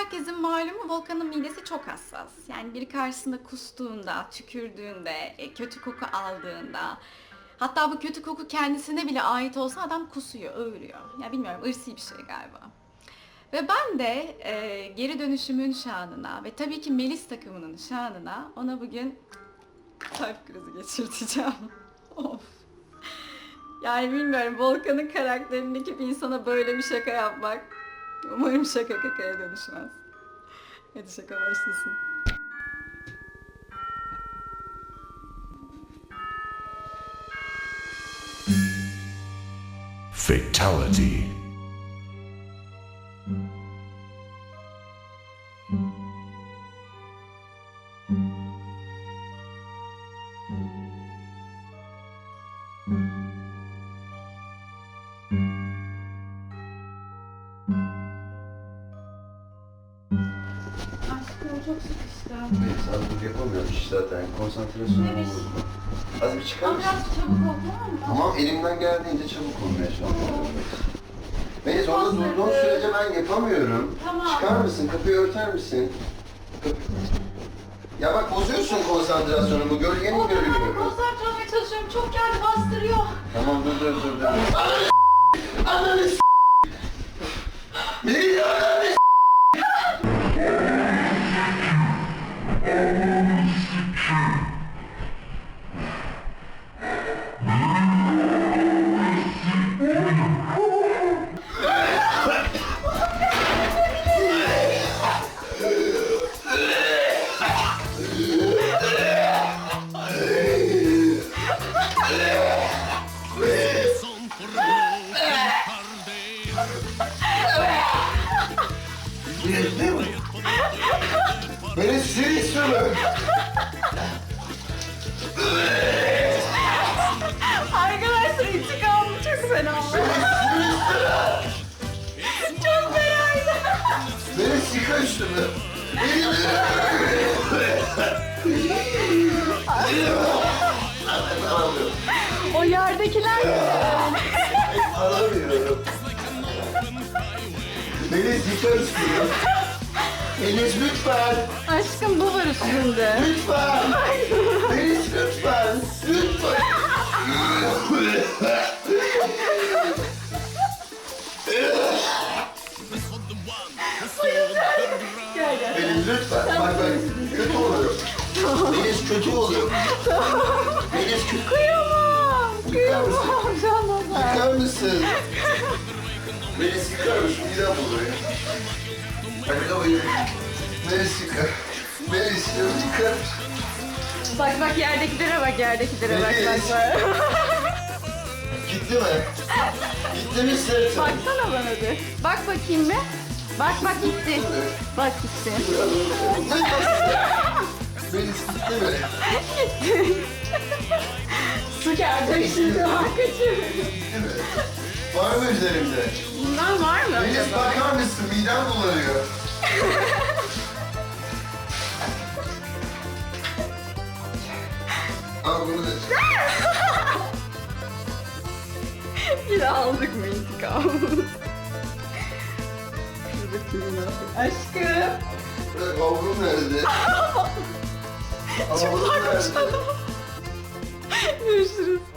herkesin malumu Volkan'ın midesi çok hassas. Yani biri karşısında kustuğunda, tükürdüğünde, kötü koku aldığında, hatta bu kötü koku kendisine bile ait olsa adam kusuyor, öğürüyor. Ya bilmiyorum, ırsi bir şey galiba. Ve ben de geri dönüşümün şanına ve tabii ki Melis takımının şanına ona bugün kalp krizi geçirteceğim. Of. Yani bilmiyorum, Volkan'ın karakterindeki bir insana böyle bir şaka yapmak umarım şaka kakaya dönüşmez. Hadi şaka başlasın. Fatality. Aşkım çok sıkıştım. Melis az dur yapamıyorum iş zaten. Konsantrasyonumu Neymiş? bozma. Az bir çıkar Ama mısın? biraz çabuk ol, tamam mı? Tamam elimden geldiğince çabuk olmaya çalışıyorum. Melis orada durduğun sürece ben yapamıyorum. Tamam. Çıkar mısın? Kapıyı örter misin? Ya bak bozuyorsun konsantrasyonumu. Gölgeni O zaman görüyorum. konsantre olmaya çalışıyorum. Çok geldi, bastırıyor. Tamam dur. Ananı s***! Melis ananı s***! Melis seni istiyorum. Arkadaşlar intikamım çok fena oldu. Çok fenaydı. Melis yıka üstümü. O yerdekiler mi? Alamıyorum. Melis yıka üstümü. Melis lütfen. Aşkım bu var üstünde. Lütfen. Melis lütfen. Lütfen. Gel gel. Melis lütfen. Bak kötü oluyor. Melis kötü oluyor. Melis kötü. Kıyamam. Kıyamam canım. Yıkar mısın? Melis yıkar mısın? Midem buluyor. Hadi kapıyı. Melis yıkar. Melis yıkar. Bak yerdekilere bak, yerdekilere bak. Gitti mi? Gitti mi sırtım? Baksana bana bir. Bak bakayım bir. Bak gitti. Bak gitti. Melis gitti mi? Su geldi şimdi, bak kaçırdım. Gitti mi? Var mı üzerimde? Bundan var mı Melis acaba? bakar mısın? Midem bulanıyor. Al bunu da. Bir aldık mı intikam? Aşkım. Bırak avrum nerede? Avrum nerede? Görüşürüz.